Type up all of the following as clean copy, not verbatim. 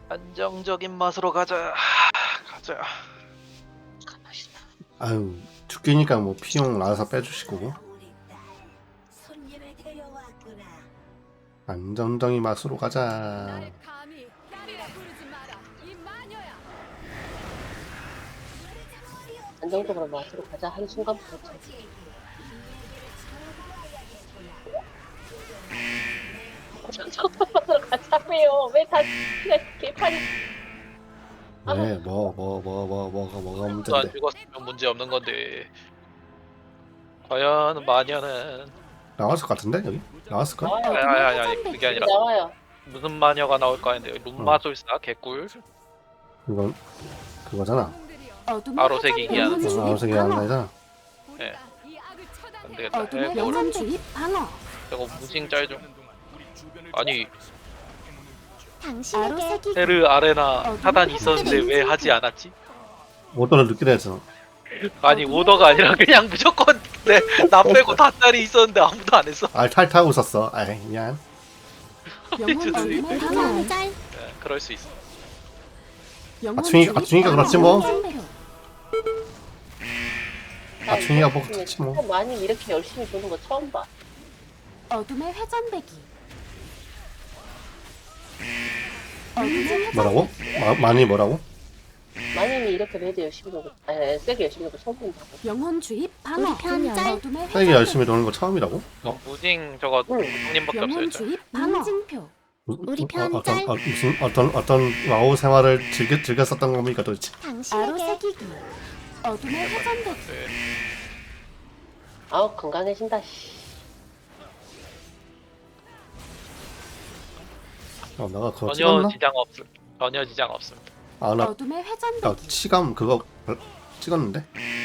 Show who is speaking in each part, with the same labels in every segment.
Speaker 1: 안정적인 맛으로 가자. 가자.
Speaker 2: 아유 죽기니까 뭐 피용 알아서 빼주시고 안정적인 맛으로 가자.
Speaker 3: 안정적으로 맛으로 가자 하는 순간부터 안정적으로 가자며요. 왜 다 그냥 개판이.
Speaker 2: 네, 뭐가
Speaker 1: 안
Speaker 2: 문제인데?
Speaker 1: 죽었으면 문제 없는 건데. 과연 마녀는
Speaker 2: 나왔을 것 같은데 여기 나왔을 걸?
Speaker 1: 아니 그게 아니라
Speaker 3: 나와요.
Speaker 1: 무슨 마녀가 나올까 했는데 룸마술사 개꿀.
Speaker 2: 이건 그거잖아.
Speaker 1: 아로색이 기한.
Speaker 2: 아우색이 안 나잖아.
Speaker 1: 예. 안 되겠다.
Speaker 4: 어둠의 영혼 주입 방어.
Speaker 1: 저거 무징 짤 좀. 아니
Speaker 4: 당신에게
Speaker 1: 헤르 아레나 차단 있었는데 왜 하지 않았지?
Speaker 2: 오더를 늦게 했잖아.
Speaker 1: 아니 오더가 아니라 그냥 무조건 나 빼고 다 짤이 있었는데 아무도 안 했어.
Speaker 2: 탈타고 있었어. 아이 미안.
Speaker 4: 영혼 어둠의 방어.
Speaker 1: 예, 그럴 수 있어.
Speaker 2: 아충이가 그렇지 뭐. 아충이가 뭐 그렇지 뭐.
Speaker 3: 많이 이렇게 열심히 보는 거 처음 봐.
Speaker 4: 어둠의 회전배기. 어둠의
Speaker 2: 뭐라고? 많이 뭐라고?
Speaker 3: 많이 이렇게 레드 열심히 보고, 세게 열심히 보고 처음 본다고.
Speaker 4: 영혼 주입 방어. 어둠의
Speaker 2: 세게 열심히 도는 거 처음이라고?
Speaker 1: 무징 저거 형님밖에 없어요.
Speaker 4: 영혼
Speaker 1: 저.
Speaker 4: 주입 방어. 징표.
Speaker 2: 우리 무슨 어떤 와우 생활을 즐겼었던 겁니까 도대체?
Speaker 4: 아로새기기. 어둠의 회전배기.
Speaker 1: 네.
Speaker 3: 아우, 건강해진다, 씨.
Speaker 2: 내가 그거
Speaker 1: 전혀
Speaker 2: 찍었나?
Speaker 1: 지장 없음. 전혀 지장 없습니다.
Speaker 2: 나
Speaker 4: 어둠의 회전배기.
Speaker 2: 치감 그거 찍었는데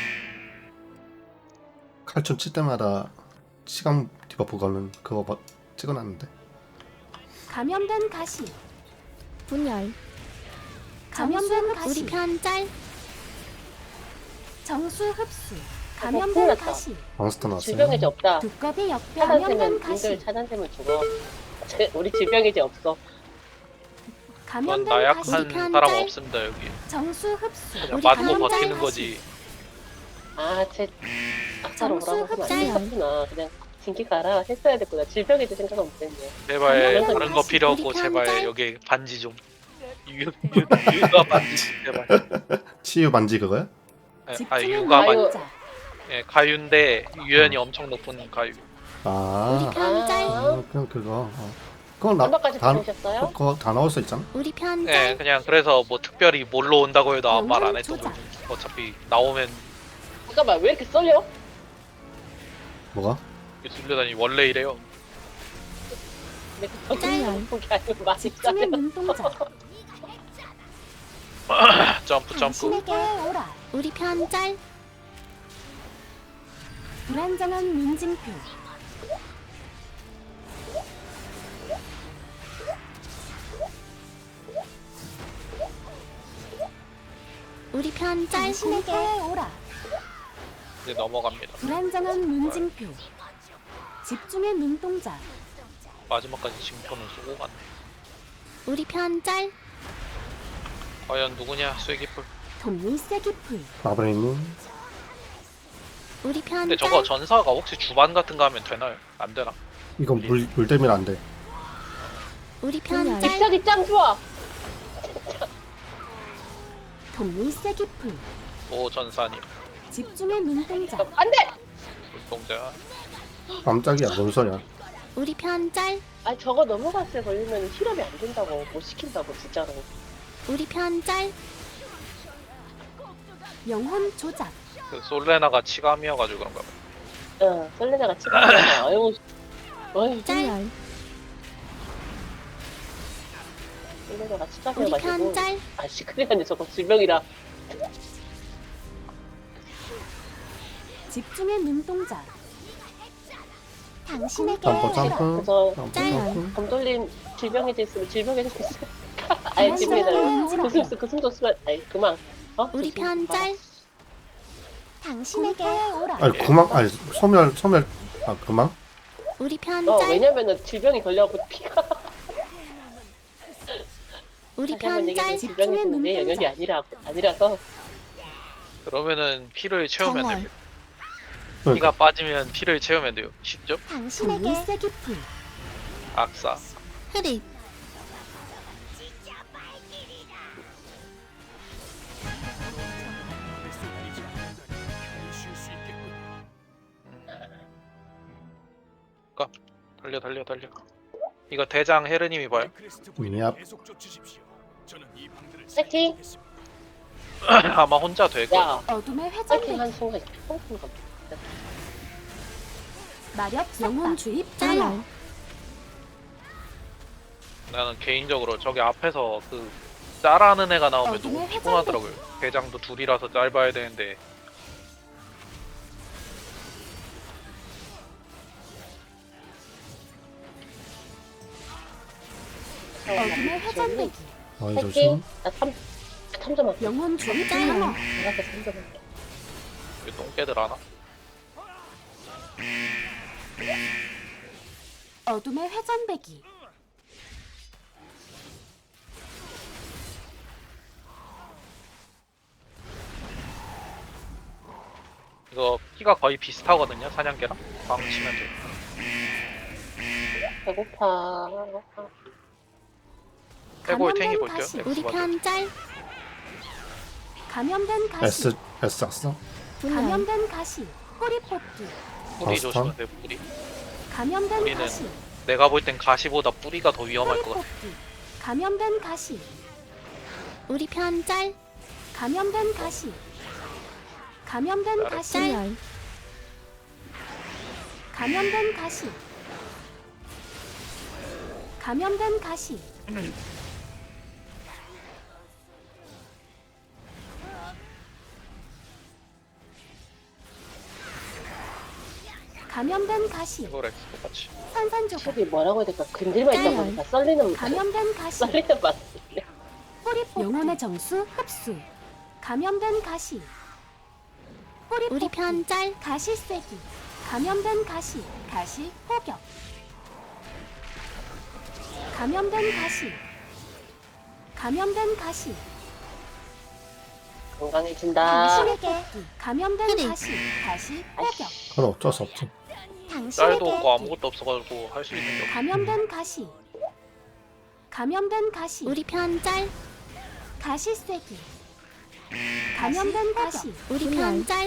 Speaker 2: 칼춤 칠 때마다 치감 디버프 거는 그거 찍어놨는데.
Speaker 4: 감염된 가시.
Speaker 5: 분열.
Speaker 4: 감염된 가시.
Speaker 5: 우리 편 짤.
Speaker 4: 정수 흡수.
Speaker 3: 큰일
Speaker 4: 감염된
Speaker 3: 났다.
Speaker 4: 가시.
Speaker 2: 몬스터 나왔어요.
Speaker 3: 질병이지 없다.
Speaker 4: 두꺼비 역배.
Speaker 3: 차단되면,
Speaker 4: 감염된 가시.
Speaker 3: 인들 차단되면 죽어. 우리 질병이지 없어.
Speaker 1: 전
Speaker 4: 감염된
Speaker 1: 나약한
Speaker 4: 가시.
Speaker 1: 사람 없습니다 여기.
Speaker 4: 정수 흡수.
Speaker 1: 그냥
Speaker 5: 우리
Speaker 1: 맞고
Speaker 5: 감염된
Speaker 1: 버티는
Speaker 5: 가시.
Speaker 1: 거지.
Speaker 3: 아차로
Speaker 4: 정수
Speaker 3: 오라고 하면 안
Speaker 5: 흡수.
Speaker 3: 됐구나. 그냥 진기 가라 했어야 됐구나. 질병이지 생각은 못했네.
Speaker 1: 제발
Speaker 4: 감염된
Speaker 1: 다른 거
Speaker 4: 가시.
Speaker 1: 필요 없고
Speaker 5: 우리
Speaker 1: 제발
Speaker 5: 편짤.
Speaker 1: 여기 반지 좀. 유가 반지 제발.
Speaker 2: 치유 반지 그거야?
Speaker 4: 집중의
Speaker 1: 유가 반지.
Speaker 4: 노동자.
Speaker 1: 예, 가유인데 유연이 엄청 높은 가유.
Speaker 2: 아,
Speaker 5: 편 짤.
Speaker 2: 그럼 그거. 그건
Speaker 3: 한번까지
Speaker 2: 다
Speaker 3: 보내셨어요?
Speaker 2: 그거 다 나올 수 있잖아.
Speaker 5: 우리 편
Speaker 1: 예,
Speaker 5: 짤.
Speaker 1: 그냥 그래서 뭐 특별히 뭘로 온다고 해도 아무 말 안 했던
Speaker 4: 조작.
Speaker 1: 거지. 어차피 나오면
Speaker 3: 잠깐만, 왜 이렇게 썰려?
Speaker 2: 뭐가?
Speaker 1: 술려다니 원래 이래요.
Speaker 3: 내가
Speaker 5: 짤.
Speaker 3: 그게 아니고 많이
Speaker 4: 집중의
Speaker 3: 썰려.
Speaker 4: 눈동자.
Speaker 1: 점프.
Speaker 4: 당신에게 오라.
Speaker 5: 우리 편 짤.
Speaker 4: 불안정한 민징표.
Speaker 5: 우리 편 짤.
Speaker 4: 당신에게 오라.
Speaker 1: 이제 넘어갑니다.
Speaker 4: 불안정한 문징표. 집중의 눈동자.
Speaker 1: 마지막까지 징표는 쏘고 갔네.
Speaker 5: 우리 편 짤.
Speaker 1: 과연 누구냐 쐐기풀.
Speaker 4: 톱니세기풀.
Speaker 2: 마브레이님.
Speaker 5: 우리 편
Speaker 1: 근데
Speaker 5: 짤.
Speaker 1: 저거 전사가 혹시 주반 같은 거 하면 되나요? 안 되나?
Speaker 2: 이건 물 때문에 안 돼.
Speaker 5: 우리 편
Speaker 4: 분열.
Speaker 5: 짤.
Speaker 3: 믹서기 짱 좋아.
Speaker 4: 톱니세기풀.
Speaker 1: 오 전사님
Speaker 4: 집중의 눈동자.
Speaker 3: 안 돼!
Speaker 1: 눈동자.
Speaker 2: 깜짝이야, 뭔 소리야?
Speaker 5: 우리 편 짤.
Speaker 3: 아, 저거 넘어갔을 걸리면 실험이 안 된다고. 못 시킨다고, 진짜로.
Speaker 5: 우리 편 짤.
Speaker 4: 영혼 조작.
Speaker 1: 그 솔레나가 치감이어가지고 그런가 봐.
Speaker 3: 응, 썰레나가 치가잖아. 아유, 어이,
Speaker 5: 짤.
Speaker 3: 썰레나가
Speaker 5: 우리 편
Speaker 3: 치가져가지고.
Speaker 5: 짤.
Speaker 3: 아, 시크리한데 저거 질병이라.
Speaker 4: 집중의 눈동자. 당신에게
Speaker 2: 점프
Speaker 4: 오라.
Speaker 2: 점프.
Speaker 3: 그래서
Speaker 2: 점프
Speaker 5: 짤.
Speaker 2: 점프.
Speaker 3: 검돌림 질병이 있으면 질병이 있으면. 아니, 질병이다. 그 숨도 쓰면, 아니, 그만. 어?
Speaker 5: 우리 편 짤.
Speaker 4: 당신에게 오라.
Speaker 2: 아니 소멸 그만.
Speaker 5: 우리 편
Speaker 3: 어,
Speaker 5: 짤.
Speaker 3: 왜냐면은 질병이 걸려갖고 피가.
Speaker 5: 우리
Speaker 3: 다시 한번
Speaker 5: 편
Speaker 3: 얘기해
Speaker 5: 짤.
Speaker 3: 질병이 내 영역이 아니라서
Speaker 1: 그러면은 피를 채우면
Speaker 5: 정월.
Speaker 1: 됩니다.
Speaker 2: 그러니까
Speaker 1: 피가 빠지면 피를 채우면 돼요. 쉽죠?
Speaker 5: 당신에게
Speaker 4: 동물 쐐기풀
Speaker 1: 악사.
Speaker 5: 흐릿.
Speaker 1: 달려. 이거 대장 헤르님이 봐요.
Speaker 2: 얍.
Speaker 3: 파이팅!
Speaker 1: 아마 혼자 될 거야.
Speaker 3: 야
Speaker 4: 어둠의
Speaker 3: 파이팅
Speaker 4: 회전배기
Speaker 3: 한 순간 펑펑 가.
Speaker 4: 마력 영혼 주입
Speaker 5: 짤.
Speaker 4: 불러
Speaker 1: 나는 개인적으로 저기 앞에서 그 짤하는 애가 나오면
Speaker 4: 어둠의
Speaker 1: 너무 피곤하더라고요. 대장도 둘이라서 짤 봐야 되는데
Speaker 4: 어둠의 회전배기
Speaker 2: 많이
Speaker 3: 파이팅!
Speaker 2: 조심.
Speaker 3: 나 3점 할게.
Speaker 4: 영혼 주입
Speaker 5: 짤.
Speaker 4: 불러
Speaker 3: 나한테 3점 할게.
Speaker 1: 이 똥개들 하나?
Speaker 4: 어둠의 회전배기
Speaker 1: 이거 피가 거의 비슷하거든요. 사냥개랑 방 치면 돼.
Speaker 3: 배고파.
Speaker 1: 해골 탱이
Speaker 4: 감염된
Speaker 1: 볼게요.
Speaker 4: 가시.
Speaker 1: X
Speaker 5: 우리
Speaker 1: 먼저.
Speaker 5: 편 짤.
Speaker 4: 감염된 가시
Speaker 2: S 악사.
Speaker 5: 분열.
Speaker 4: 감염된 가시 꼬리 뽑기
Speaker 1: 뿌리
Speaker 2: 버스턴?
Speaker 1: 조심하세요. 뿌리.
Speaker 4: 감염된
Speaker 1: 우리는
Speaker 4: 가시
Speaker 1: 내가 볼 땐 가시보다 뿌리가 더 위험할
Speaker 4: 꼬리
Speaker 1: 것 같아.
Speaker 4: 뽑기 감염된 가시
Speaker 5: 우리 편 짤.
Speaker 4: 감염된 가시 감염된
Speaker 1: 나를
Speaker 4: 가시
Speaker 5: 짤.
Speaker 4: 감염된 가시 감염된 가시 감염된 가시
Speaker 1: 해골 X 똑같이.
Speaker 4: 산산조각
Speaker 3: 저기 뭐라고 해야 될까? 근질만 있다 보니까 썰리는
Speaker 4: 감염된 가시
Speaker 3: 썰리는 맛.
Speaker 4: 뿌리 뽑기 영혼의 정수 흡수 감염된 가시 뿌리
Speaker 5: 우리
Speaker 4: 뽑기
Speaker 5: 편 짤.
Speaker 4: 가시 쐐기 감염된 가시 가시 포격 감염된 가시 감염된 가시
Speaker 3: 건강해진다.
Speaker 4: 당신에게 감염된
Speaker 5: 흐릿.
Speaker 4: 가시 가시 포격
Speaker 2: 그건 어쩔 수 없지.
Speaker 1: 짤도 없고
Speaker 4: 당신에게
Speaker 1: 아무것도 없어가지고 할 수 있는 게 없어.
Speaker 4: 감염된 가시 감염된 가시
Speaker 5: 우리 편 짤.
Speaker 4: 가시 쐐기 감염된 가시
Speaker 5: 우리 편 짤.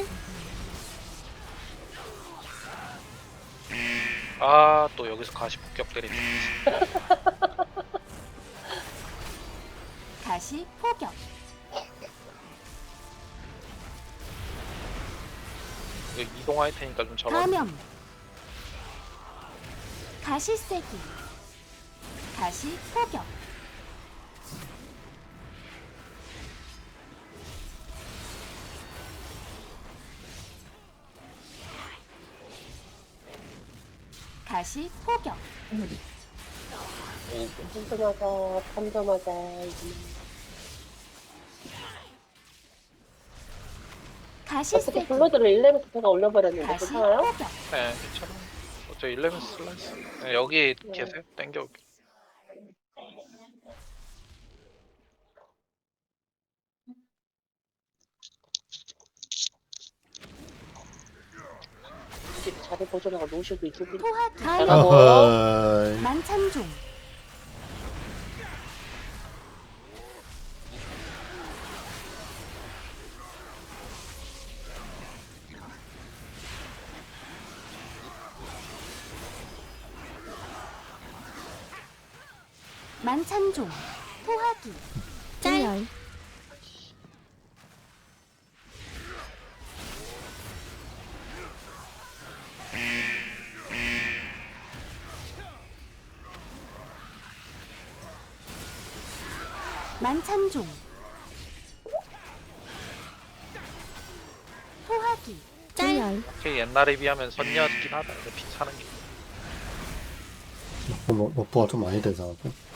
Speaker 1: 아, 또 여기서 가시 폭격 때리네.
Speaker 4: 가시 포격
Speaker 1: 이거 이동할 테니까 좀 잡아.
Speaker 4: 감염 가시 쐐기 가시 포격 가시 포격
Speaker 1: 오,
Speaker 3: 3점 하자.
Speaker 4: 가시
Speaker 3: 어떻게
Speaker 4: 쐐기
Speaker 3: 블러드를 1레벨 제가 올려버렸는데
Speaker 4: 가시
Speaker 3: 괜찮아요?
Speaker 4: 포격
Speaker 1: 네, 괜찮아. 어차피 11 슬라이스. 네, 여기 계세요. 땡겨올게.
Speaker 3: 집 자리 보존하고 노쇼도 있고.
Speaker 4: 토하기
Speaker 3: 나가고.
Speaker 2: 어허이.
Speaker 4: 만찬종 만찬종 토하기
Speaker 5: 짤.
Speaker 4: 만찬종 토하기
Speaker 5: 짤.
Speaker 1: 확실히 옛날에 비하면 선녀였긴 하다. 이거 피차는 게.
Speaker 2: 너프가 좀 많이 되잖아.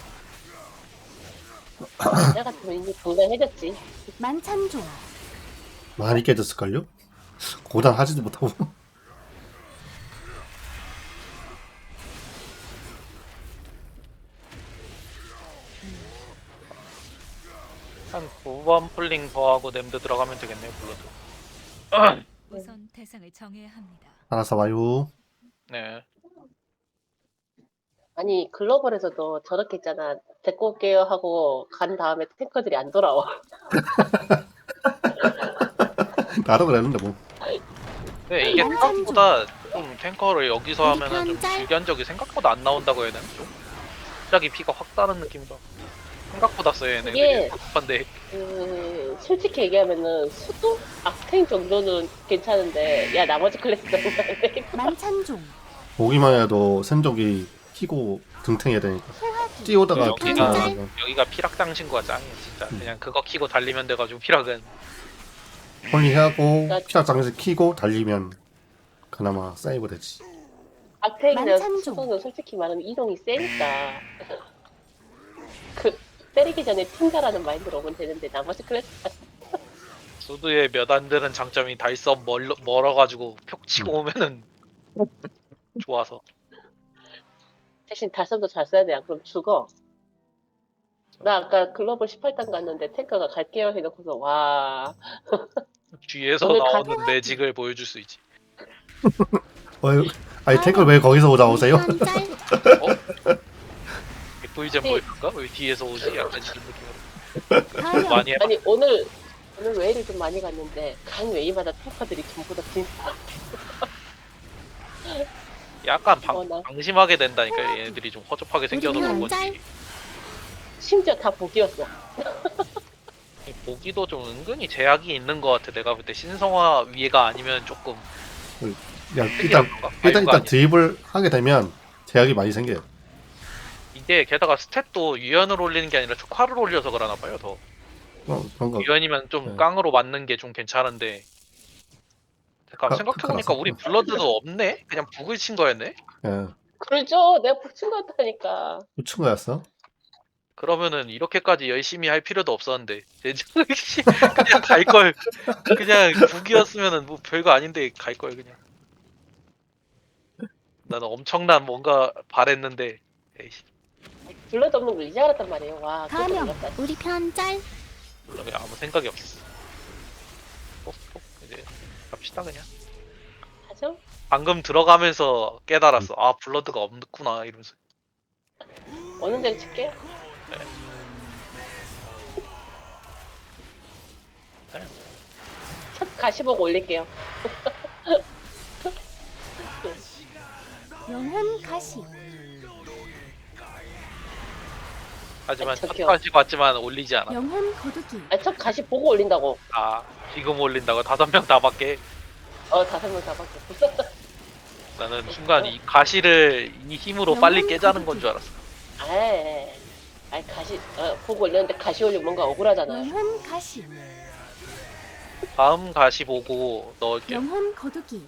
Speaker 3: 나 같으면 이미 건강해졌지.
Speaker 4: 만찬종
Speaker 2: 많이 깨졌을걸요? 고단 하지도 못하고.
Speaker 1: 2번 풀링 더하고 냄드 들어가면 되겠네요. 블러드.
Speaker 6: 우선 대상을 정해야 합니다.
Speaker 2: 알아서 와요.
Speaker 1: 네.
Speaker 3: 아니 글로벌에서도 저렇게 있잖아. 데리고 올게요 하고 간 다음에 탱커들이 안 돌아와.
Speaker 2: 나도 그랬는데 뭐.
Speaker 1: 네, 이게 생각보다 좀 탱커를 여기서
Speaker 5: 우리
Speaker 1: 하면은 좀
Speaker 5: 편 짤.
Speaker 1: 질견적이 생각보다 안 나온다고 해야 되나? 좀 갑자기 피가 확 다른 느낌이다. 생각보다 써요 얘네.
Speaker 3: 이게-
Speaker 1: 근데
Speaker 3: 솔직히 얘기하면은 수도 악탱 정도는 괜찮은데 야 나머지 클래스들은 안 되겠다.
Speaker 4: 만찬종
Speaker 2: 보기만 해도 센족이 키고 등탱해야 되니까. 뛰어다가
Speaker 1: 여기가-
Speaker 2: 등탱하면
Speaker 1: 여기가 피락 당신구가 짱이야 진짜. 그냥 그거 키고 달리면 돼가지고 피락은
Speaker 2: 홀리하고 피락 장에서 키고 달리면 그나마 세이브 되지.
Speaker 3: 악탱이나
Speaker 4: 만찬종.
Speaker 3: 수도는 솔직히 말하면 이동이 세니까 그 때리기 전에 튕가라는 마인드로 오면 되는데 나머지 클래스
Speaker 1: 수드의 몇 안 되는 장점이 다 있어 멀어가지고 표 치고 오면은 좋아서.
Speaker 3: 대신 달성도 잘 써야 돼. 안 그럼 죽어. 나 아까 글로벌 18단 갔는데 탱커가 갈게요 해놓고서 와
Speaker 1: 뒤에서
Speaker 3: 오늘
Speaker 1: 나오는 매직을 보여줄 수 있지.
Speaker 2: 아니 탱크 왜 거기서 오세요?
Speaker 5: 우리 편 짤.
Speaker 1: FV젠
Speaker 3: 네.
Speaker 1: 보일까? 왜 뒤에서 오지? 약간 이런 느낌으로
Speaker 4: 가염
Speaker 1: 많이 해봐.
Speaker 3: 아니 오늘 웨이를 좀 많이 갔는데 간 웨이마다 탱커들이 전부 다 진짜
Speaker 1: 약간
Speaker 3: 나
Speaker 1: 방심하게 된다니까. 얘네들이 좀 허접하게 생겨서 그런
Speaker 5: 짤.
Speaker 1: 건지.
Speaker 3: 심지어 다 복이었어.
Speaker 1: 보기도 좀 은근히 제약이 있는 것 같아. 내가 볼 때 신성화 위에가 아니면 조금
Speaker 2: 야,
Speaker 1: 특이한 건가?
Speaker 2: 일단
Speaker 1: 아닌가?
Speaker 2: 드립을 하게 되면 제약이 많이 생겨요.
Speaker 1: 이게 게다가 스탯도 유연을 올리는 게 아니라 촉화를 올려서 그러나 봐요. 더
Speaker 2: 그런 거.
Speaker 1: 유연이면 좀
Speaker 2: 네.
Speaker 1: 깡으로 맞는 게 좀 괜찮은데. 잠깐 생각해보니까 우리 블러드도 없네? 그냥 북을 친 거였네?
Speaker 2: 예,
Speaker 3: 그러죠. 내가 복친 것 같다니까.
Speaker 2: 붙인 거였어.
Speaker 1: 그러면은 이렇게까지 열심히 할 필요도 없었는데 그냥 갈걸. 그냥 북이었으면은 뭐 별거 아닌데 갈걸 그냥. 나는 엄청난 뭔가 바랬는데 에이씨,
Speaker 3: 블러드 없는 걸 이제 알았단 말이에요. 와 그것도
Speaker 4: 가명.
Speaker 3: 몰랐다.
Speaker 5: 우리 편 짤.
Speaker 1: 몰라, 그냥 아무 생각이 없어. 이제 갑시다 그냥.
Speaker 3: 하죠?
Speaker 1: 방금 들어가면서 깨달았어. 아 블러드가 없구나 이러면서.
Speaker 3: 어느 데를 칠게요? 첫 가시보고 올릴게요.
Speaker 4: 영혼 가시
Speaker 1: 하지만
Speaker 3: 저기요.
Speaker 1: 첫까지 봤지만 올리지 않아.
Speaker 4: 영혼 거두기
Speaker 3: 첫 가시 보고 올린다고.
Speaker 1: 아 지금 올린다고 5명 다 밖에.
Speaker 3: 5명 다 바뀌었어.
Speaker 1: 나는 순간 이 가시를 이 힘으로 빨리 깨자는 건 줄 알았어.
Speaker 3: 아이 가시 보고 올렸는데 가시 올리면 뭔가 억울하잖아요.
Speaker 4: 영혼 가시
Speaker 1: 다음 가시 보고 넣을게요.
Speaker 4: 영혼 거두기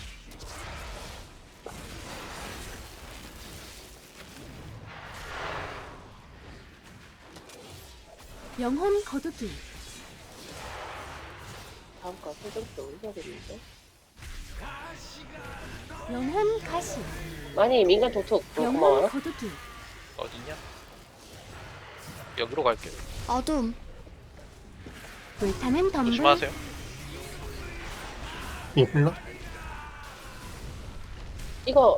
Speaker 4: 영혼 거두기
Speaker 3: 다음 거 설정도 올려야겠는데.
Speaker 4: 영혼 가시
Speaker 3: 많이 민간 도톡
Speaker 4: 영혼
Speaker 3: 고마워요.
Speaker 4: 거두기
Speaker 1: 어디냐? 여기로 갈게요.
Speaker 5: 어둠.
Speaker 4: 불타는 덤불
Speaker 1: 조심하세요.
Speaker 2: 이 흘러?
Speaker 3: 이거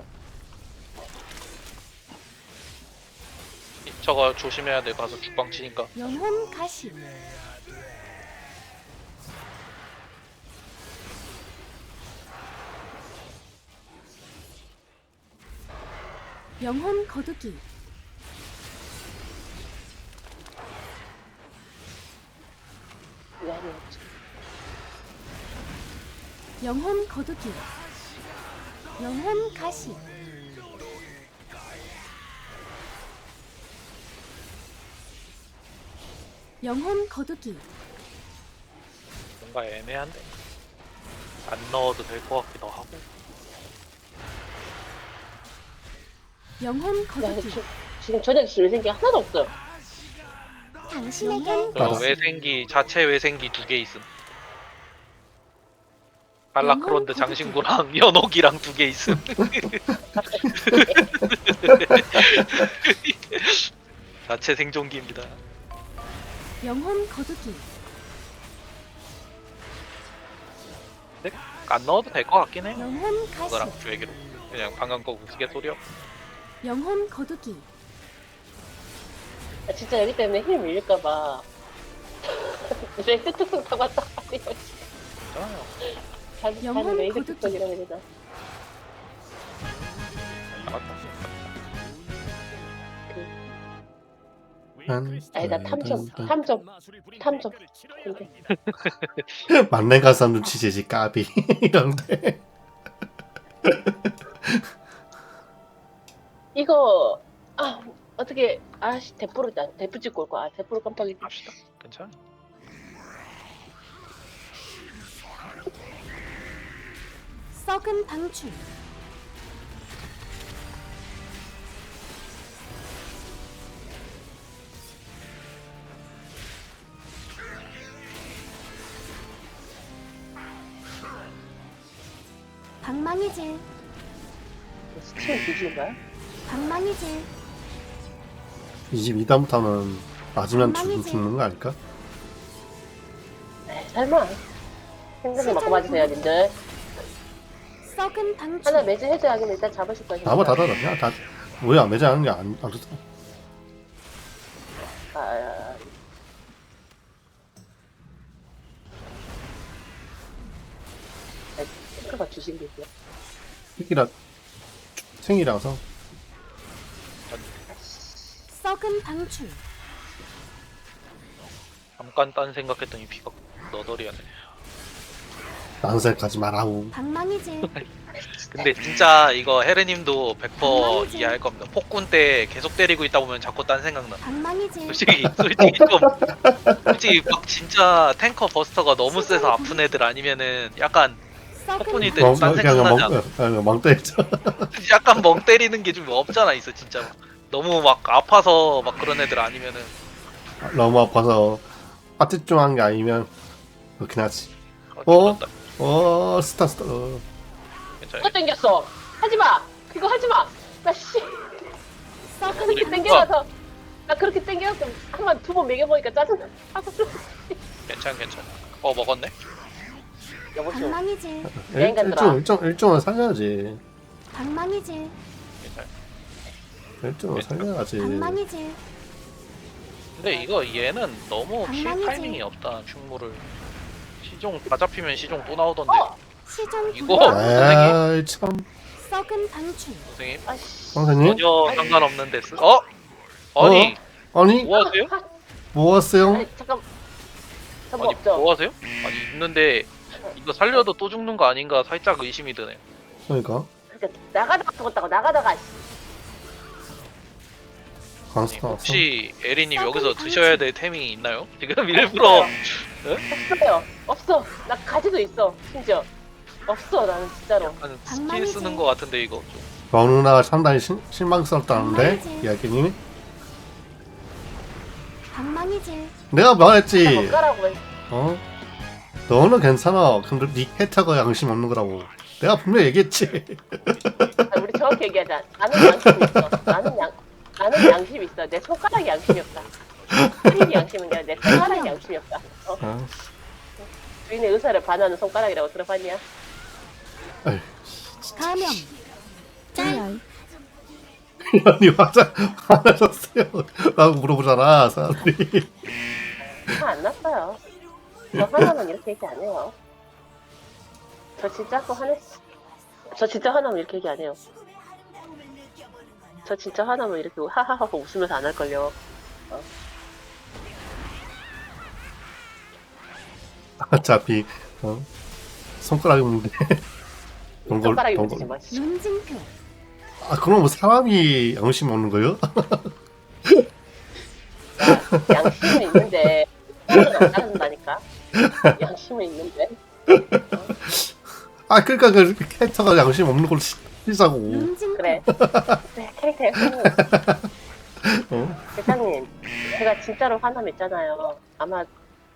Speaker 1: 저거 조심해야 돼. 가서 죽방 치니까.
Speaker 4: 영혼 가시 영혼 거두기
Speaker 3: 왜 아니었지?
Speaker 4: 영혼 거두기 영혼 가시 영혼 거두기
Speaker 1: 뭔가 애매한데. 안 넣어도 될 것 같기도 하고.
Speaker 4: 영혼
Speaker 3: 야,
Speaker 4: 거두기
Speaker 3: 지금 저녁에 줄 생기 하나도 없어요.
Speaker 5: 당신에게
Speaker 1: 저
Speaker 2: 알았어.
Speaker 1: 외생기 자체 외생기 2개 있음. 발라크론드
Speaker 4: 영혼
Speaker 1: 장신구랑 연옥이랑 2개 있음. 자체 생존기입니다.
Speaker 4: 영혼 거두기
Speaker 1: 안 넣어도 될 것 같긴 해.
Speaker 4: 영혼 가시
Speaker 1: 그거랑 주얘기로 그냥 방금 거 우스갯소리야.
Speaker 4: 영혼 거두기
Speaker 3: 아, 진짜 여기 때문에 힘 밀릴까봐. 레이드 특성 다 왔다.
Speaker 4: 영혼
Speaker 3: 자기 레이드
Speaker 4: 고두기.
Speaker 3: 특성이라고 해야 되나?
Speaker 1: 나갔다.
Speaker 3: 아니다, 탐정. 근데
Speaker 2: 만렙 가서 눈치채지 까비 이런데.
Speaker 3: 이거, 어떻게, 대포 찍고 올 거야. 대포를 깜빡이.
Speaker 1: 합시다. 괜찮아.
Speaker 4: 썩은 방출 방망이 질
Speaker 3: 스팀을 뒤지는 거야?
Speaker 4: 방망이 질
Speaker 2: 22단부터는 맞으면
Speaker 4: 방망이지.
Speaker 2: 죽는 거 아닐까?
Speaker 3: 설마. 생각에 맞고 맞으세요, 님들.
Speaker 4: 썩은 방출
Speaker 3: 하나 매주 해줘야겠네. 일단 잡으실 거예요.
Speaker 2: 나봐 다 닫았냐? 다 왜 안 매장하는 게 안 좋다.
Speaker 3: 아, 탱크가 주신 게 있어요.
Speaker 2: 새끼라 생이라서
Speaker 4: 썩은 방출
Speaker 1: 잠깐 딴 생각했더니 피가 너덜이하네.
Speaker 2: 난색 가지 마라우.
Speaker 4: 방망이 질
Speaker 1: 근데 진짜 이거 헤르님도 100%
Speaker 4: 방망이지.
Speaker 1: 이해할 겁니다. 폭군 때 계속 때리고 있다 보면 자꾸 딴 생각나.
Speaker 4: 방망이 질
Speaker 1: 솔직히 막 진짜 탱커 버스터가 너무 세서 아픈 애들 아니면은 약간
Speaker 4: 썩은
Speaker 1: 폭군일 때
Speaker 4: 방출
Speaker 1: 딴 생각나지 않아?
Speaker 2: 멍 때리죠.
Speaker 1: 약간 멍 때리는 게 좀 없잖아 있어 진짜. 너무 막 아파서 막 그런 애들 아니면은
Speaker 2: 너무 아파서 파티 좀 한 게 아니면 그렇긴 하지.
Speaker 1: 어?
Speaker 2: 스타.
Speaker 1: 괜찮아.
Speaker 3: 그거 땡겼어. 하지마. 그거 하지마. 나 씨.
Speaker 4: 썩은
Speaker 3: 그렇게
Speaker 4: 방출
Speaker 3: 땡겨서. 나 그렇게 땡겨서 한번 두 번 매겨보니까 짜증나.
Speaker 1: 괜찮아. 먹었네.
Speaker 3: 여보시오.
Speaker 4: 방망이 질
Speaker 2: 일종은 살려야지.
Speaker 4: 방망이 질
Speaker 1: 괜찮아.
Speaker 2: 일종은 살려야지.
Speaker 4: 방망이 질
Speaker 1: 근데 이거 얘는 너무 킬
Speaker 4: 방망이지.
Speaker 1: 타이밍이 없다. 충무를 시종 다 잡히면 시종 또 나오던데.
Speaker 4: 시종
Speaker 1: 이거
Speaker 4: 불량
Speaker 2: 에이 참.
Speaker 4: 썩은 방출
Speaker 1: 선생님
Speaker 3: 아씨.
Speaker 2: 선생님?
Speaker 1: 전혀 상관없는데 아니
Speaker 2: 아니
Speaker 1: 뭐 하세요?
Speaker 2: 뭐 하세요?
Speaker 3: 아니 잠깐. 저거
Speaker 1: 아니
Speaker 3: 없죠.
Speaker 1: 뭐 하세요? 아니 있는데 이거 살려도 또 죽는 거 아닌가 살짝 의심이 드네.
Speaker 2: 그러니까
Speaker 3: 그러니까 나가다가 죽었다고 나가다가.
Speaker 2: 광수 나왔어.
Speaker 1: 혹시 에리님 여기서 드셔야 될 템이 있나요? 지금 일부러
Speaker 3: 없어. 나 가지도 있어. 심지어. 없어 나는 진짜로.
Speaker 1: 약간 스킬
Speaker 4: 방망이지.
Speaker 1: 쓰는 거 같은데 이거 좀.
Speaker 2: 너누나 상당히 실망스럽다는데
Speaker 4: 방망이지.
Speaker 2: 이야기님이
Speaker 4: 방망이 질
Speaker 2: 내가 말했지.
Speaker 3: 못 가라고 해.
Speaker 2: 너는 괜찮아. 근데 네 캐릭터가 양심 없는 거라고. 내가 분명히 얘기했지.
Speaker 3: 아, 우리 정확히 얘기하자. 나는 양심 있어. 나는 양심 있어. 내 손가락이 양심이 없다. 스킬이 양심은 아니라 내 손가락이 양심이 없다. 주인의 의사를 반하는 손가락이라고 들어봤냐?
Speaker 4: 감염 짤
Speaker 2: 아니 화나셨어요. 라고 물어보잖아 사람들이.
Speaker 3: 화 안 났어요. 저 화나면 이렇게 얘기 안 해요. 저 진짜 또 화냈어. 저 진짜 화나면 이렇게 얘기 안 해요. 저 진짜 화나면 이렇게 하하하고 웃으면서 안 할걸요.
Speaker 2: 어차피 손가락이 없는데
Speaker 3: 손가락이 웃지 마.
Speaker 4: 눈징표
Speaker 2: 그럼 뭐 사람이 양심 없는 거예요?
Speaker 3: 양심은 있는데 손가락은 안 따른다니까. 양심은 있는데.
Speaker 2: 그러니까 그 캐릭터가 양심 없는 걸로 시자고.
Speaker 4: 눈징표
Speaker 3: 그래. 네, 캐릭터 형님. 대장님, 제가 진짜로 화남 있잖아요. 아마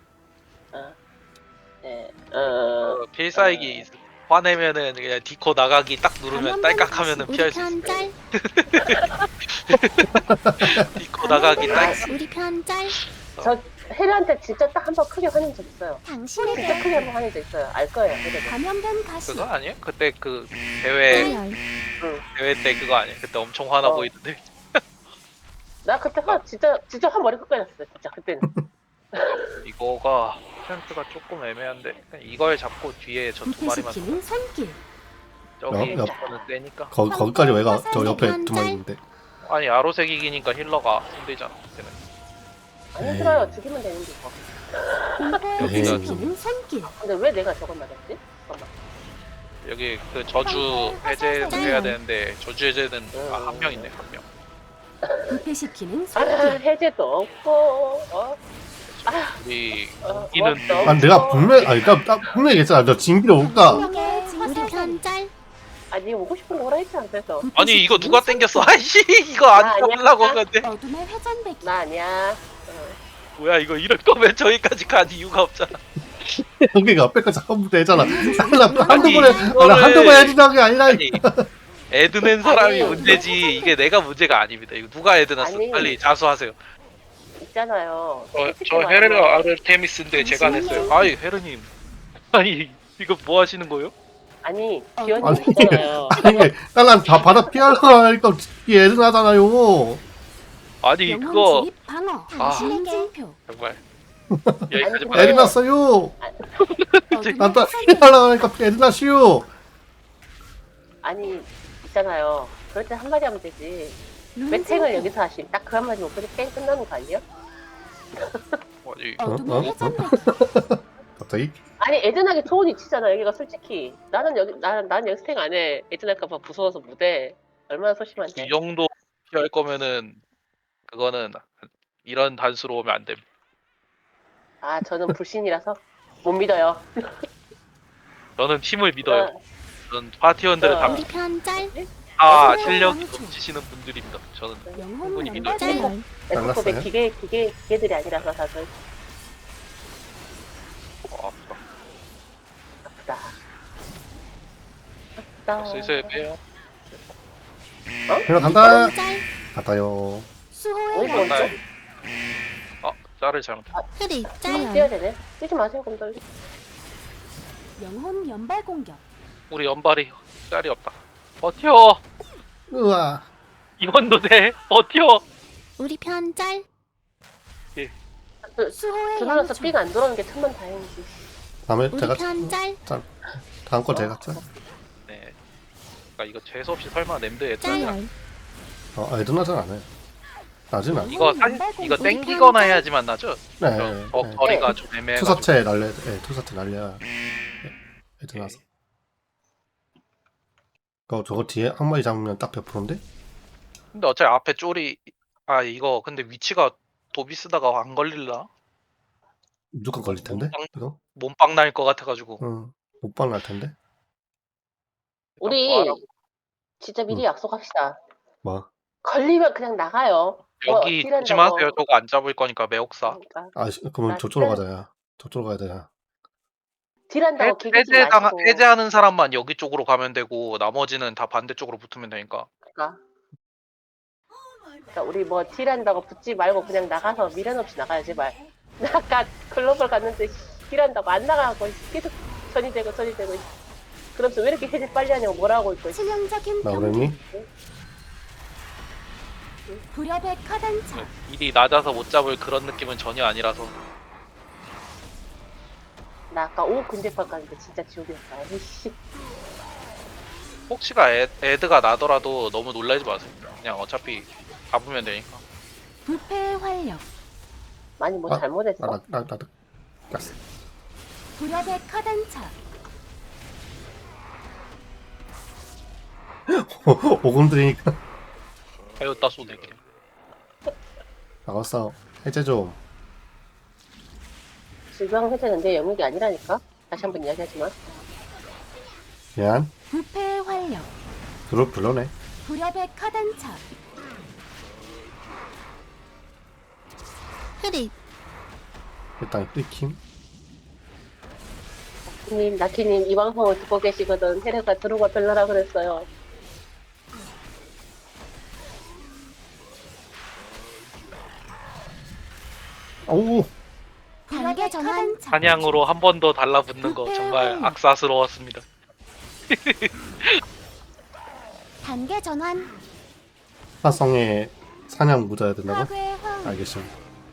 Speaker 1: 필살기 화내면은 그냥 디코 나가기 딱 누르면 딸깍하면은
Speaker 5: 우리
Speaker 1: 피할 수 있어.
Speaker 5: 편 짤.
Speaker 1: 디코 나가기 딸.
Speaker 5: 우리 편 짤.
Speaker 3: 저 헤르한테 진짜 딱 한 번 크게 화낸 적 있어요. 진짜
Speaker 5: 당신에게
Speaker 3: 크게 한 번 화낸 적 있어요. 알 거예요. 헤르가.
Speaker 4: 감염된 가시.
Speaker 1: 그거 아니에요? 그때 그 대회
Speaker 5: 짜열
Speaker 1: 때 그거 아니에요? 그때 엄청 화나
Speaker 3: 어.
Speaker 1: 보이던데.
Speaker 3: 나 그때 화 진짜 화 머리 끝까지 났어. 진짜 그때는.
Speaker 1: 이거가 스탠스가 조금 애매한데 그냥 이걸 잡고 뒤에 저 두 마리만
Speaker 4: 불패시키는 손길.
Speaker 1: 저기
Speaker 2: 옆.
Speaker 1: 저거는 세니까.
Speaker 2: 거기까지 왜 가? 저 옆에 두 마리 있는데.
Speaker 1: 아니 아로색이기니까 힐러가 힘들잖아. 그때는.
Speaker 3: 안
Speaker 2: 에이.
Speaker 3: 힘들어요. 죽이면 되는데 이거.
Speaker 4: 공포의
Speaker 2: 에이.
Speaker 4: 불패시키는 손길.
Speaker 3: 근데 왜 내가 저걸 맞았지? 잠깐만.
Speaker 1: 여기 그 저주 해제해야 되는데 저주 해제는 한 명 있네 한 명.
Speaker 4: 불패시키는
Speaker 3: 아
Speaker 4: 손길.
Speaker 3: 해제도 없고
Speaker 1: 우리
Speaker 3: 어,
Speaker 1: 이는
Speaker 3: 뭐,
Speaker 2: 아니 내가 분명히 아니 그러니까 나 분명히 얘기했잖아. 저 진기로 올까?
Speaker 4: 당신에게
Speaker 5: 우리
Speaker 4: 화살을.
Speaker 5: 편짤
Speaker 3: 아니 오고 싶은 거 오라 했지 않겠어.
Speaker 1: 아니 이거 누가 땡겼어? 아이씨 이거 안
Speaker 3: 나
Speaker 1: 잡으려고
Speaker 3: 아니야.
Speaker 1: 하는데
Speaker 4: 어둠의 회전배기.
Speaker 3: 나 아니야.
Speaker 1: 뭐야 이거 이럴 거면 저기까지 간 이유가 없잖아.
Speaker 2: 여기가 앞에까지 한번 되잖아. 나 한두
Speaker 1: 아니,
Speaker 2: 번에 나 한두 번 해준다는 게 아니라.
Speaker 1: 아니 애드 낸 사람이
Speaker 3: 아니,
Speaker 1: 문제지 이게 내가 문제가 아닙니다. 이거 누가 애드 냈어?
Speaker 3: 아니.
Speaker 1: 빨리 자수하세요.
Speaker 3: 있잖아요.
Speaker 1: 저 헤르가 아르테미스인데 제가 냈어요. 아이 헤르님 아니 이거 뭐 하시는 거예요?
Speaker 3: 아니
Speaker 2: 아니.
Speaker 3: 기현이 있잖아요.
Speaker 2: 이게 난 다 받아 피하려고 하니까 얘는 하잖아요.
Speaker 1: 아니
Speaker 4: 영혼
Speaker 1: 그거
Speaker 4: 진입 방어.
Speaker 1: 아.
Speaker 4: 인증표.
Speaker 1: 정말
Speaker 3: 아니,
Speaker 1: 여기까지만
Speaker 2: 애들 났어요.
Speaker 4: 어둠의
Speaker 2: 난또
Speaker 4: 회전배기.
Speaker 2: 피하려고 하니까 애들 났어요.
Speaker 3: 아니 있잖아요. 그럴 때 한마디 하면 되지. 왜
Speaker 4: 눈
Speaker 3: 탱을
Speaker 4: 증표.
Speaker 3: 여기서 하심? 딱 그 한마디 못 그냥 뺑 끝나는 거 아니에요?
Speaker 1: 아니
Speaker 4: 어둠의
Speaker 2: 어?
Speaker 4: 회전배기.
Speaker 2: 갑자기
Speaker 3: 아니 에드나기 좋은 위치잖아 여기가 솔직히. 나는 여기 난 여기서 탱 안 해. 에드나까봐 무서워서 못해. 얼마나 소심한데.
Speaker 1: 이 정도 피할 거면은 그거는 이런 단수로 오면 안 됨.
Speaker 3: 아 저는 불신이라서 못 믿어요.
Speaker 1: 저는 팀을 믿어요.
Speaker 3: 어,
Speaker 1: 저는 파티원들은
Speaker 3: 어.
Speaker 1: 다
Speaker 5: 우리 편짤
Speaker 1: 다
Speaker 4: 어둠의
Speaker 1: 실력이
Speaker 4: 왕초.
Speaker 1: 넘치시는 분들입니다. 저는
Speaker 4: 영혼
Speaker 1: 충분히 믿어요.
Speaker 4: 연발공격.
Speaker 5: 짜열
Speaker 3: 에스코베
Speaker 2: 잘났어요?
Speaker 3: 기계들이 아니라서 다들
Speaker 1: 아프다.
Speaker 3: 아프다. 아프다.
Speaker 1: 슬슬 빼요.
Speaker 2: 그냥 간다.
Speaker 5: 편짤
Speaker 2: 갔다요.
Speaker 4: 수호의
Speaker 3: 어디서
Speaker 4: 왕초.
Speaker 3: 왔죠?
Speaker 1: 짤을 잘못.
Speaker 5: 흐릿
Speaker 3: 뛰어야
Speaker 5: 짜열
Speaker 3: 되네. 뛰지 마세요 그럼
Speaker 4: 영혼 연발 공격.
Speaker 1: 우리 연발이 짤이 없다. 버텨.
Speaker 2: 우와.
Speaker 1: 이번도 돼. 버텨.
Speaker 5: 우리 편짤
Speaker 4: 수호의
Speaker 3: 들어서
Speaker 4: 양초.
Speaker 3: 삐가 안 들어오는 게 천만 다행이지.
Speaker 2: 다음에
Speaker 5: 우리
Speaker 2: 제가
Speaker 5: 편짤
Speaker 2: 다음 거 제가 짜.
Speaker 1: 네. 그러니까 이거 재수 없이 설마 냄드 애들
Speaker 5: 짜열
Speaker 2: 애들 나진 않아요. 나진 않아.
Speaker 1: 이거 이거 땡기거나 해야지만 나죠?
Speaker 2: 네.
Speaker 1: 저
Speaker 2: 네.
Speaker 1: 거리가 좀 애매해.
Speaker 2: 투사체 날려. 네, 투사체 날려. 애들 나서. 저거 뒤에 한 마리 잡으면 딱 100%인데?
Speaker 1: 근데 어차피 앞에 쫄이 이거 근데 위치가 도비 쓰다가 안 걸릴라?
Speaker 2: 무조건 걸릴 텐데? 이거?
Speaker 1: 몸빵 날 것 같아가지고.
Speaker 2: 응. 못방 날 텐데?
Speaker 3: 우리
Speaker 1: 구하라고.
Speaker 3: 진짜 미리 약속합시다.
Speaker 2: 뭐?
Speaker 3: 걸리면 그냥 나가요.
Speaker 1: 여기
Speaker 3: 딜한다고.
Speaker 1: 조심하세요. 저거 안 잡을 거니까 매혹사.
Speaker 3: 그러니까
Speaker 2: 그러면
Speaker 3: 나
Speaker 2: 저쪽으로
Speaker 3: 진짜-
Speaker 2: 가자, 야. 저쪽으로 가야 돼, 야.
Speaker 3: 딜한다고 기계지 마시고.
Speaker 1: 해제하는 사람만 여기 쪽으로 가면 되고 나머지는 다 반대쪽으로 붙으면 되니까.
Speaker 3: 그러니까 우리 뭐 딜한다고 붙지 말고 그냥 나가서 미련 없이 나가요 제발. 나 아까 글로벌 갔는데 딜한다고 안 나가고 계속 전이 되고 그러면서 왜 이렇게 해제 빨리 하냐고 뭐라 하고 있고.
Speaker 4: 치명적인
Speaker 2: 나
Speaker 4: 경기.
Speaker 2: 그랬니?
Speaker 4: 불협의 카단차.
Speaker 1: 일이 낮아서 못 잡을 그런 느낌은 전혀 아니라서.
Speaker 3: 나 아까 5 근접할 갔는데 진짜 지옥이었다. 에이씨.
Speaker 1: 혹시가 애드가 나더라도 너무 놀라지 마세요. 그냥 어차피 잡으면 되니까.
Speaker 4: 불패의 활력.
Speaker 3: 많이 뭐
Speaker 2: 아,
Speaker 3: 잘못했어.
Speaker 2: 나도 갔어.
Speaker 4: 불협의 카단차.
Speaker 2: 오금 들이니까
Speaker 1: 하였다 쏘네게.
Speaker 2: 나갔어. 해제 좀.
Speaker 3: 질병 해제는 내 영역이 아니라니까. 다시 한번 이야기하지만.
Speaker 2: 미안.
Speaker 4: 불패의 활력.
Speaker 2: 별로네.
Speaker 4: 불협의 카단차.
Speaker 5: 흐릿
Speaker 2: 일단 끊김.
Speaker 3: 님, 나키님 이 방송을 듣고 계시거든. 헤레가 들어가 별나라 그랬어요.
Speaker 2: 오.
Speaker 4: 단계 전환.
Speaker 1: 사냥으로 한 번 더 달라붙는 거 정말 악사스러웠습니다.
Speaker 4: 단계 전환.
Speaker 2: 사성에 사냥 묻어야 된다고?
Speaker 4: 파괴 화음.
Speaker 2: 알겠습니다.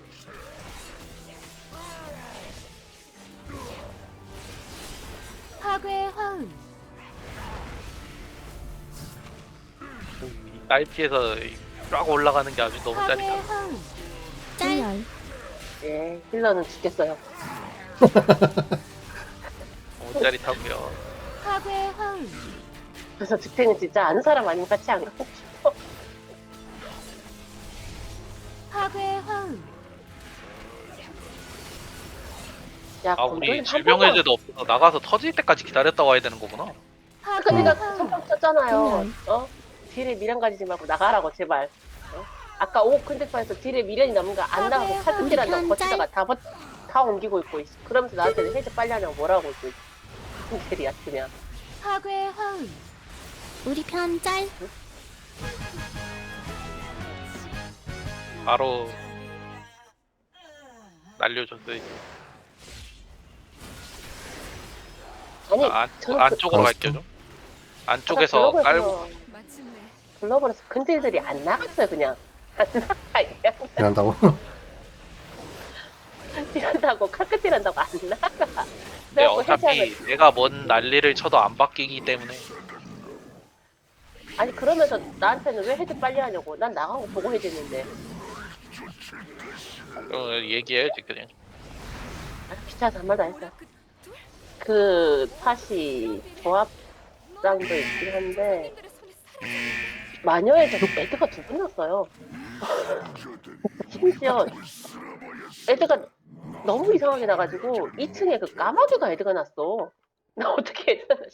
Speaker 4: 파괴 화음.
Speaker 1: 이 딸피에서 쫙 올라가는 게 아주 너무
Speaker 4: 파괴
Speaker 1: 짜릿하다.
Speaker 4: 화음.
Speaker 5: 짤.
Speaker 3: 예, 힐러는 죽겠어요.
Speaker 1: 너무 짜릿하고요.
Speaker 4: 파괴 화음.
Speaker 3: 그래서 득탱은 진짜 아는 사람 아니면 같이 안 가고 싶어.
Speaker 4: 파괴 화음.
Speaker 3: 야,
Speaker 1: 아 우리
Speaker 3: 건조는 한
Speaker 1: 질병해제도 없어서 나가서 터질 때까지 기다렸다 와야 되는 거구나.
Speaker 4: 파괴
Speaker 3: 번만- 내가
Speaker 4: 화음.
Speaker 3: 선빵 쳤잖아요. 어? 딜에 미련 가지지 말고 나가라고 제발. 어? 아까 5 큰데파에서 딜에 미련이 남은 거 안 나가고 칼끝질한다고
Speaker 5: 우리
Speaker 3: 버티다가 다 옮기고 있고 있어. 그러면서 나한테는 해제 빨리 하냐고 뭐라고 있고 있어. 딜이야 그냥.
Speaker 4: 파괴 화음.
Speaker 5: 우리 편 짤.
Speaker 1: 바로 날려줬어요.
Speaker 3: 아니 저는
Speaker 1: 안쪽으로
Speaker 2: 그-
Speaker 1: 갈게요 좀. 안쪽에서
Speaker 3: 아까
Speaker 1: 깔고
Speaker 6: 마침내
Speaker 3: 글로벌에서 근딜들이 안 나갔어요 그냥. 안 나가
Speaker 2: 이란다고?
Speaker 3: 딜한다고 칼끝질한다고 안 나가.
Speaker 1: 근데
Speaker 3: 그래갖고
Speaker 1: 어차피
Speaker 3: 해제하면-
Speaker 1: 내가 뭔 난리를 쳐도 안 바뀌기 때문에
Speaker 3: 아니 그러면서 나한테는 왜 해제 빨리 하냐고. 난 나간 거 보고 해제했는데.
Speaker 1: 얘기해야지 그냥.
Speaker 3: 아, 귀찮아서 한 말도 안 했어. 그 팟이 조합장도 있긴 한데 마녀에서 애드가 2분 났어요. 심지어 애드가 너무 이상하게 나가지고 2층에 그 까마귀가 애드가 났어. 나 어떻게 애드가 나?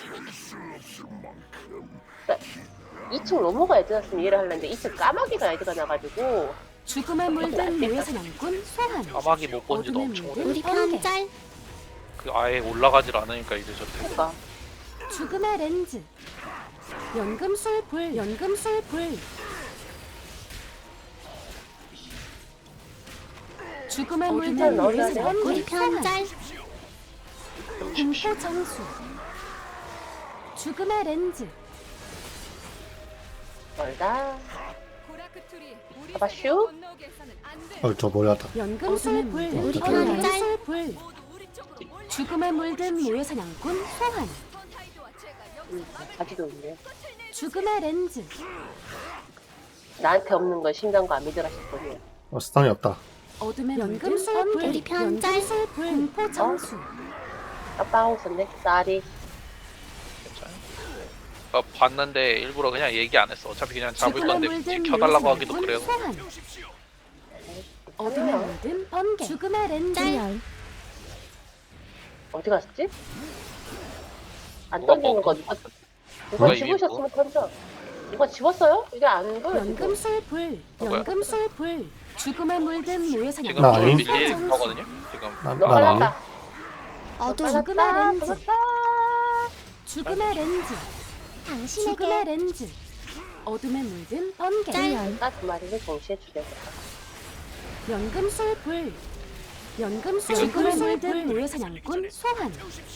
Speaker 3: 2층 로모가 애드 났으면 이해를 하려는데 2층 까마귀가 애드가 나가지고
Speaker 4: 죽음에 물든 모의 사냥꾼 소환.
Speaker 1: 까마귀 못 본 지도
Speaker 4: 어둠의
Speaker 1: 엄청
Speaker 4: 물든
Speaker 1: 오래.
Speaker 5: 우리 편
Speaker 4: 번개.
Speaker 5: 짤.
Speaker 1: 그 아예 올라가질 않으니까 이제 저때.
Speaker 3: 그러니까
Speaker 4: 죽음의 렌즈. 연금술 불. 연금술 불. 죽음의 물든 모의
Speaker 3: 넣어줘야
Speaker 4: 사냥꾼
Speaker 5: 우리 편
Speaker 4: 소환.
Speaker 5: 짤.
Speaker 4: 공포 정수. 죽음의 렌즈.
Speaker 3: 멀다.
Speaker 6: 고라크툴이 우리
Speaker 3: 봐봐,
Speaker 6: 세계를
Speaker 3: 슈.
Speaker 6: 건너오게 해서는 안 돼.
Speaker 2: 저 머리하다.
Speaker 4: 연금술 불.
Speaker 5: 우리
Speaker 4: 연금술 불.
Speaker 6: 모두 우리 쪽으로 몰려.
Speaker 4: 죽음에 물든 모의 사냥꾼 소환.
Speaker 6: 펀타이드와 제가 여기서
Speaker 3: 자기도 있네.
Speaker 4: 죽음의 렌즈.
Speaker 3: 나한테 없는 건 신기한 안 믿으라 싶거든요.
Speaker 2: 스턴이 없다.
Speaker 4: 어둠의 연금술 불.
Speaker 5: 우리 편 짤.
Speaker 4: 연금술 불. 공포 정수.
Speaker 3: 깜빡하고 있었네. 쌀이.
Speaker 1: 봤는데 일부러 그냥 얘기 안 했어. 어차피 그냥 잡을
Speaker 4: 죽음에
Speaker 1: 건데
Speaker 4: 물든
Speaker 1: 굳이 켜달라고
Speaker 4: 모의
Speaker 1: 하기도
Speaker 4: 사냥꾼
Speaker 1: 그래요.
Speaker 4: 소환. 어둠에 물든 번개. 죽음의 렌즈.
Speaker 5: 짤.
Speaker 3: 어디 갔지? 안
Speaker 1: 누가
Speaker 3: 던지는 거
Speaker 1: 먹어?
Speaker 3: 누가
Speaker 1: 이미
Speaker 3: 집으셨으면 던져. 누가 집었어요? 이게 안 보여. 지금.
Speaker 4: 연금술 불.
Speaker 1: 뭐야?
Speaker 4: 연금술 불. 죽음에 물든 모의
Speaker 1: 지금
Speaker 4: 사냥꾼
Speaker 2: 나
Speaker 1: 좀
Speaker 2: 아니?
Speaker 1: 밀릴 거거든요. 지금
Speaker 2: 난
Speaker 3: 너
Speaker 2: 아니.
Speaker 3: 빨랐다.
Speaker 5: 어둠.
Speaker 4: 죽음의 렌즈.
Speaker 3: 빨랐다.
Speaker 4: 죽음의 렌즈.
Speaker 5: 당신에게.
Speaker 4: 죽음의 렌즈. 어둠에 물든 번개.
Speaker 5: 짤.
Speaker 3: 두 마리를 동시에 죽여야겠다.
Speaker 4: 연금술 불. 연금술 죽음에 물든 모의 사냥꾼 소환.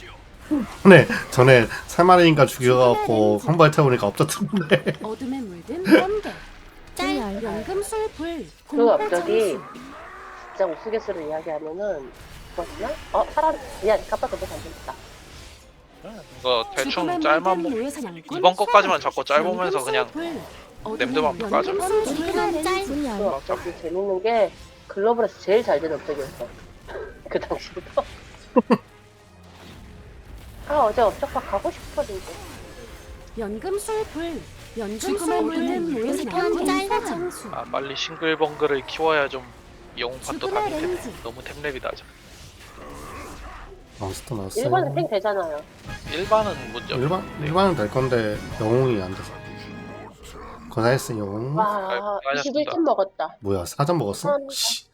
Speaker 2: 전에 3마리인가 죽여갖고 한발 태우니까 없었던데.
Speaker 4: 어둠에 물든 번개.
Speaker 5: 짤.
Speaker 4: 연금술 불.
Speaker 3: 그
Speaker 4: 공포
Speaker 3: 갑자기
Speaker 4: 정수.
Speaker 3: 진짜 우스갯소리를 이야기하면은 뭐였나? 사람 미안 깜빡 깜빡 안 됐다.
Speaker 1: 이거 대충
Speaker 4: 죽음에
Speaker 1: 짤만
Speaker 4: 물든
Speaker 1: 보
Speaker 4: 모의 사냥꾼
Speaker 1: 이번 것까지만
Speaker 4: 소환.
Speaker 1: 자꾸 짤 보면서
Speaker 4: 연금술
Speaker 1: 그냥
Speaker 4: 불.
Speaker 1: 냄새만
Speaker 4: 어둠에
Speaker 1: 까죠.
Speaker 4: 연금술
Speaker 5: 우리
Speaker 4: 불.
Speaker 5: 편 짤.
Speaker 3: 그 업적이 재밌는 게 글로벌에서 제일 잘 된 업적이었어. 그 당시부터. 어제 업적박 가고 싶었는데.
Speaker 4: 연금술 불. 연금술 물든 모의
Speaker 5: 우리
Speaker 4: 사냥꾼
Speaker 5: 편 짤.
Speaker 4: 소환.
Speaker 1: 아 빨리 싱글벙글을 키워야 좀 영웅판도
Speaker 4: 죽음의
Speaker 1: 가기 때문에
Speaker 4: 렌즈.
Speaker 1: 너무 템랩이다.
Speaker 2: 몬스터 나왔어요.
Speaker 3: 일반은 탱 되잖아요.
Speaker 1: 일반은 문제 없어.
Speaker 2: 일반은 될 건데 영웅이 안 돼서. 고생했어 영웅.
Speaker 3: 와,
Speaker 1: 알겠습니다.
Speaker 3: 21점 먹었다.
Speaker 2: 뭐야 사전 먹었어?
Speaker 3: 감사합니다.
Speaker 2: 씨.